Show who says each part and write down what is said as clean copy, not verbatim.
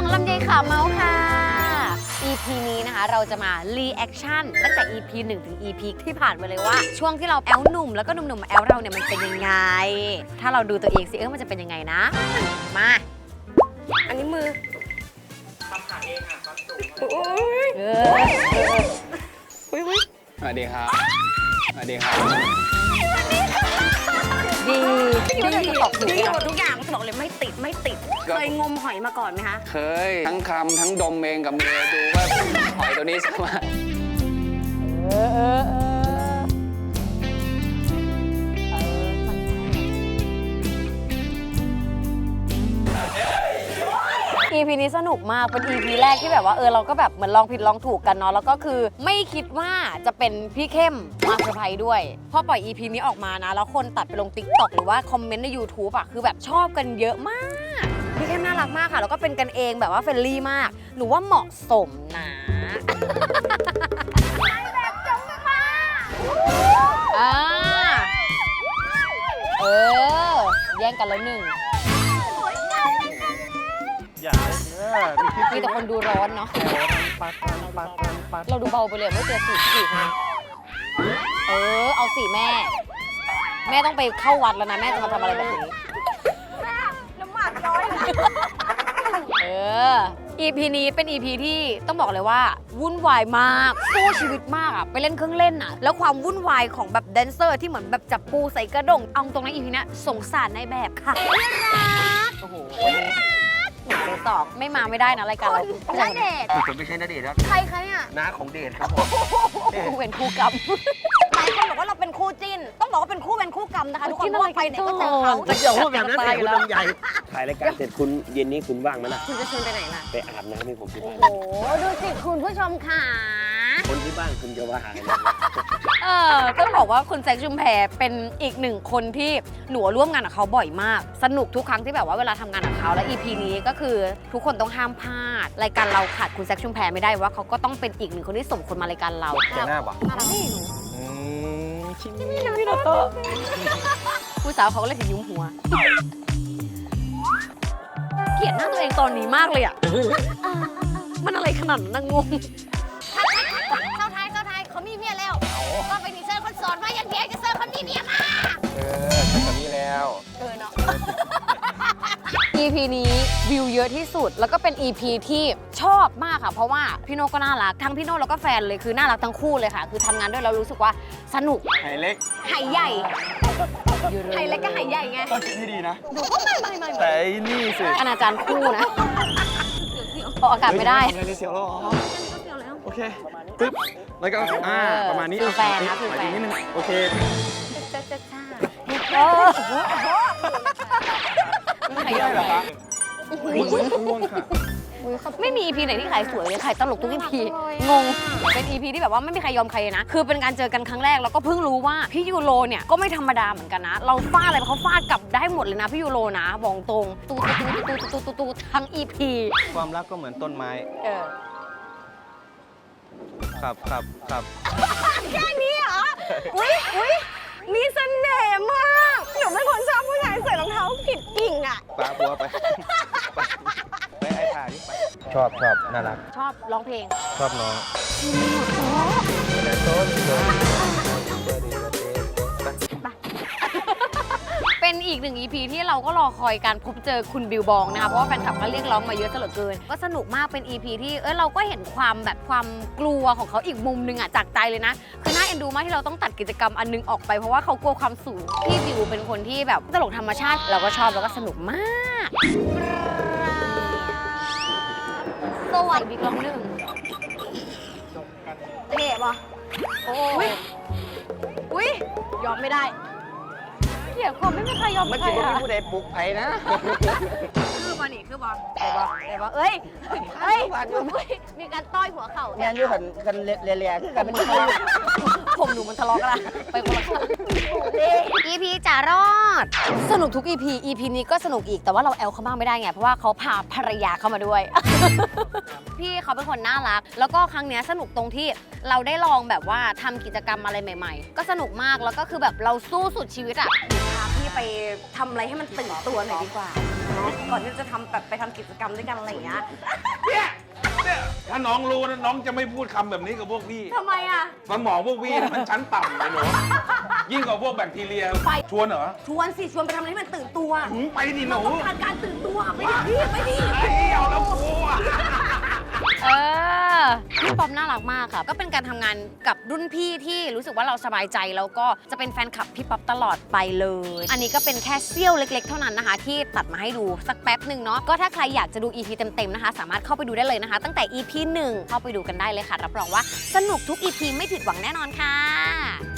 Speaker 1: ลำไยขาวเมาส์ค่ะ EP นี้นะคะเราจะมารีแอคชั่นตั้งแต่ EP 1 ถึง EP ที่ผ่านมาเลยว่าช่วงที่เราแอลหนุ่มแล้วก็หนุ่มๆแอลเราเนี่ยมันเป็นยังไง ถ้าเราดูตัวเองสิมันจะเป็นยังไงนะ มา อันนี้มือทำขาเองค่ะความสูง
Speaker 2: สวัสดีครับ สวัสดีครับ
Speaker 1: ดีตอบถูก
Speaker 3: ดีหมดทุกอย่างบอกเลยไม่ติดเคยงมหอยมาก่อนไหมคะ
Speaker 2: เคยทั้งคำทั้งดมเองกับมือดูว่าหอยตัวนี้สามารถ
Speaker 1: EP นี้สนุกมาก เป็น EP แรกที่แบบว่าเราก็แบบเหมือนลองผิดลองถูกกันเนาะ แล้วก็คือไม่คิดว่าจะเป็นพี่เข้มมาเซอร์ไพรส์ด้วย พอปล่อย EP นี้ออกมานะ แล้วคนตัดไปลง TikTok หรือว่าคอมเมนต์ใน YouTube อะคือแบบชอบกันเยอะมาก พี่เข้มน่ารักมากค่ะ แล้วก็เป็นกันเองแบบว่าเฟรนลี่มาก หนูว่าเหมาะสมนะแบบจงมาแย่งกันแล้วหนึ่งมีแต่คนดูร้อนเนาะเราดูเบาไปเลยไม่เจอสี่คนเอาสี่แม่ต้องไปเข้าวัดแล้วนะแม่จะมาทำอะไรแบบนี้น้ำหมักน้อยEP นี้เป็น EP ที่ต้องบอกเลยว่าวุ่นวายมากสู้ชีวิตมากอะไปเล่นเครื่องเล่นอะแล้วความวุ่นวายของแบบแดนเซอร์ที่เหมือนแบบจับปูใส่กระด้งเอาตรงนั้น EP นี้สงสารในแบบค่ะโอ้โหสองไม่มาไม่ได้นะรายการเราณเดชน์
Speaker 4: ผมไม่ใช่ณเดชน์ครับ
Speaker 1: ใครเนี่ย
Speaker 4: น้าของเดชครับผม
Speaker 1: คู่เป็นคู่กรรมหลายคนบอกว่าเราเป็นคู่จิ้นต้องบอกว่าเป็นคู่กรรมนะคะทุกคนเพราะว่าไปไหนก็เจอเขา
Speaker 4: จะเกี่ยวพูดแบบนั้นเลยคุณลำใหญ่ถ่ายรายการเสร็จคุณเย็นนี้คุณว่างไหมล่ะ
Speaker 1: คุณจะชวนไปไหนล่ะ
Speaker 4: ไปอาบน้ำให้ผมที่บ้าน
Speaker 1: โอ้โหดูสิคุณผู้ชมค่ะ
Speaker 4: คนที่บ้านคุณจะว่าหาย
Speaker 1: ต้องบอกว่าคุณแซคชุมแพเป็นอีกหนึ่งคนที่หนูร่วมงานกับเขาบ่อยมากสนุกทุกครั้งที่แบบว่าเวลาทำงานกับเขาและ EP นี้ก็คือทุกคนต้องห้ามพลาดรายการเราขาดคุณแซคชุมแพไม่ได้ว่าเขาก็ต้องเป็นอีกหนึ่งคนที่สมควรมารายการเรา
Speaker 4: แกหน้าปะ
Speaker 1: นี่หนู
Speaker 4: ชิม
Speaker 1: พี่โนโต้ผู้สาวเขาก็เลยถึงยุ้มหัวเกลียดหน้าตัวเองตอนนี้มากเลยอ่ะมันอะไรขนาดนั้นงงเข้าท้ายเขามีเมียแล้วก็ไปดีเซอร์คนสอนว่าอย่างเดียวจะเซอร์คนมีเมียมา
Speaker 4: ใช่แบบนี้แล้ว
Speaker 1: เนาะ EP นี้วิวเยอะที่สุดแล้วก็เป็น EP ที่ชอบมากค่ะเพราะว่าพี่โน่ก็น่ารักทั้งพี่โน่แล้วก็แฟนเลยคือน่ารักทั้งคู่เลยค่ะคือทำงานด้วยแล้วรู้สึกว่าสนุก
Speaker 4: ไหเล็ก
Speaker 1: ไหใหญ่ไหเล็กก็ไหใหญ่ไง
Speaker 4: ก็คิดที่ดีนะ
Speaker 1: ดูก็ไม่
Speaker 4: แต่นี่สิ
Speaker 1: อนาจารคู่นะพออากาศไม่ได้
Speaker 4: เสียวแล้วโอเคปึ๊บแล้วก็ประมาณนี้
Speaker 1: คือแฟนนะคือแฟน
Speaker 4: นิดนึงโอเค
Speaker 1: ขายเหรอคะ
Speaker 4: ง่วงค่ะ
Speaker 1: ไม่มี EP ไหนที่ขายสวยเลยขายตลกทุก EP งงเป็น EP ที่แบบว่าไม่มีใครยอมใครนะคือเป็นการเจอกันครั้งแรกแล้วก็เพิ่งรู้ว่าพี่ยูโรเนี่ยก็ไม่ธรรมดาเหมือนกันนะเราฟาดอะไรเขาฟาดกลับได้หมดเลยนะพี่ยูโรนะบอกตรงตูทั้ง EP
Speaker 4: ความรักก็เหมือนต้นไม้ครับ
Speaker 1: แค่นี้เหรออุ้ยมีเสน่ห์มากหนูเป็นคนชอบผู้ชายใส่รองเท้าผิดกิ่งอ่ะ
Speaker 4: ปาปัวไปไอ้ถ่ายนี่ไปชอบน่ารัก
Speaker 1: ชอบร้องเพลง
Speaker 4: ชอบน้อง
Speaker 1: เป็นอีกหนึ่ง EP ที่เราก็รอคอยการพบเจอคุณบิวบองนะคะเพราะว่าแฟนคลับก็เรียกร้องมาเยอะซะเหลือเกินก็สนุกมากเป็น EP ที่เราก็เห็นความแบบความกลัวของเขาอีกมุมนึงอ่ะจากใจเลยนะคือน่าเอ็นดูมากที่เราต้องตัดกิจกรรมอันนึงออกไปเพราะว่าเขากลัวความสูงพี่บิวเป็นคนที่แบบตลกธรรมชาติเราก็ชอบแล้วก็สนุกมากสวัสดีกล้องหนึ่งเท่ปะโอ้ยยอมไม่ได้เกี่ยวกับไม่มีใครยอมใคร
Speaker 4: มันจะไม่มีผู้ใดปลุกไผ่นะ
Speaker 1: คือบอลนี่คือบอลเดี๋ยวเอ้ยมีการต้อยหัวเข่า
Speaker 4: เนี่ยอยู่กันเลียคือกัน
Speaker 1: ผมหนูมันทะเลาะกันไปคนละข้าง EP จ่ารอดสนุกทุก EP นี้ก็สนุกอีกแต่ว่าเราแอลเขาบ้างไม่ได้ไงเพราะว่าเขาพาภรรยาเข้ามาด้วย พี่เขาเป็นคนน่ารักแล้วก็ครั้งนี้สนุกตรงที่เราได้ลองแบบว่าทำกิจกรรมอะไรใหม่ๆก็สนุกมากแล้วก็คือแบบเราสู้สุดชีวิตอ่ะพาพี่ไปทำอะไรให้มันตื่นตัวหน่อยดีกว่า
Speaker 3: ก่อนที่จะทำแบบไปทำกิจกรรมด้วยกันอะไรอย่างเงี้ย
Speaker 5: เนี่ยถ้าน้องรู้นะน้องจะไม่พูดคำแบบนี้กับพวกพี่
Speaker 3: ทำไมอ่ะ
Speaker 5: สมองพวกพี่นี่มันชั้นต่ำเลยหนูยิ่งกว่าพวกแบคทีเรีย
Speaker 3: ไป
Speaker 5: ชวนเหรอ
Speaker 3: ชวนสิชวนไปทำอะไรที่มันตื่นตัว
Speaker 5: ไปดิหนู
Speaker 3: ต้องการการตื่นตัวไปดิพี่ไปดิ
Speaker 5: ไอ้เอาแล้วกลัว
Speaker 1: พี่ป๊อปน่ารักมากค่ะก็เป็นการทำงานกับรุ่นพี่ที่รู้สึกว่าเราสบายใจแล้วก็จะเป็นแฟนคลับพี่ป๊อปตลอดไปเลย อันนี้ก็เป็นแค่เสี้ยวเล็กๆเท่านั้นนะคะ ที่ตัดมาให้ดูสักแป๊บหนึ่งเนาะก็ถ้าใครอยากจะดู EP เต็มๆนะคะสามารถเข้าไปดูได้เลยนะคะ ตั้งแต่ EP 1เข้าไปดูกันได้เลยค่ะรับรองว่าสนุกทุก EP ไม่ผิดหวังแน่นอนค่ะ